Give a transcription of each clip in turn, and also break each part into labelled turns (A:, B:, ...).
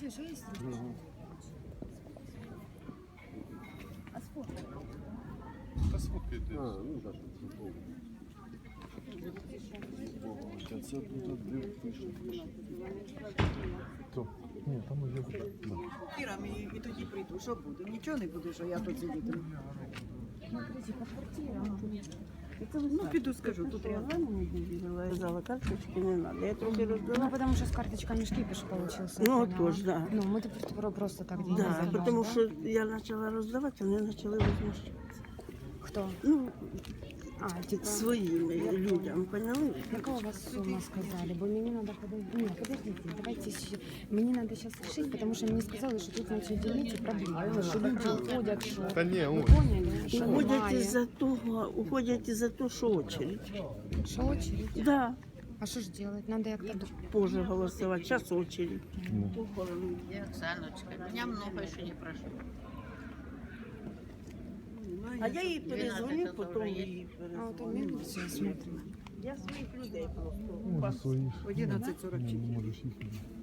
A: Ксюша, есть? А сфоткай.
B: Та сфоткайте.
C: Ну так, футбол. А це тут де пише.
B: То. Ні, там уже.
D: Квартирами і тоді прийду. Що буде? Нічого не буде, що я тут сидітиму.
A: Смотрите, по квартирам.
D: Ну, піду скажу, тут рядом.
E: Я сказала, карточки не надо. Я трохи роздала.
A: Ну, потому что с карточками шкипиш получился.
E: Ну,
A: я поняла.
E: тож, да.
A: Ну, мы просто так деньги
E: Да,
A: забрали,
E: тому
A: да?
E: що я почала роздавати, вони почали возмущатися.
A: Кто?
E: Ну,
A: А, типа...
E: своїми людям, поняли?
A: Какая у вас сумма сказали? Бо мне надо подождать. Нет, подождите, давайте мне надо сейчас решить, потому что мне сказали, что тут начали делить проблемы, что люди уходят, что...
B: Та ні,
A: Вы
B: ось.
A: поняли? Что
E: Уходять із-за того, що очередь.
A: Что очередь?
E: Да,
A: А что ж делать? Надо як-то...
E: позже голосувати, зараз очередь.
F: Я Оксаночка, меня много еще не прошло.
E: А я їй перезвоню,
F: 12
E: потім
F: вже
E: їй
A: А вот
E: перезвоню.
A: милицию смотрим.
E: Я своїх людей просто.
B: Може свої.
D: 11:44.
B: Можеш їх.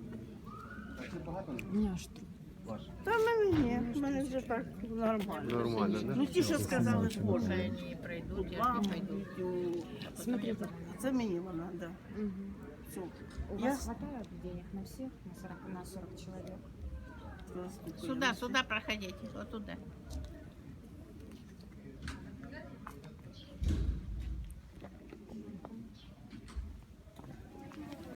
A: У меня аж труп.
E: Та в мене ні, в мене вже так нормально.
C: Нормально, да?
E: Ну ті, що сказали,
F: Уже
E: позже.
F: они не пройдут, я ж не пойду.
A: Смотрите.
E: Це мені вона, да.
A: Мгм.
E: Все.
A: У
E: Я-
A: вас хватает денег на всех? На 40 человек?
F: Сюда проходите, вот туда.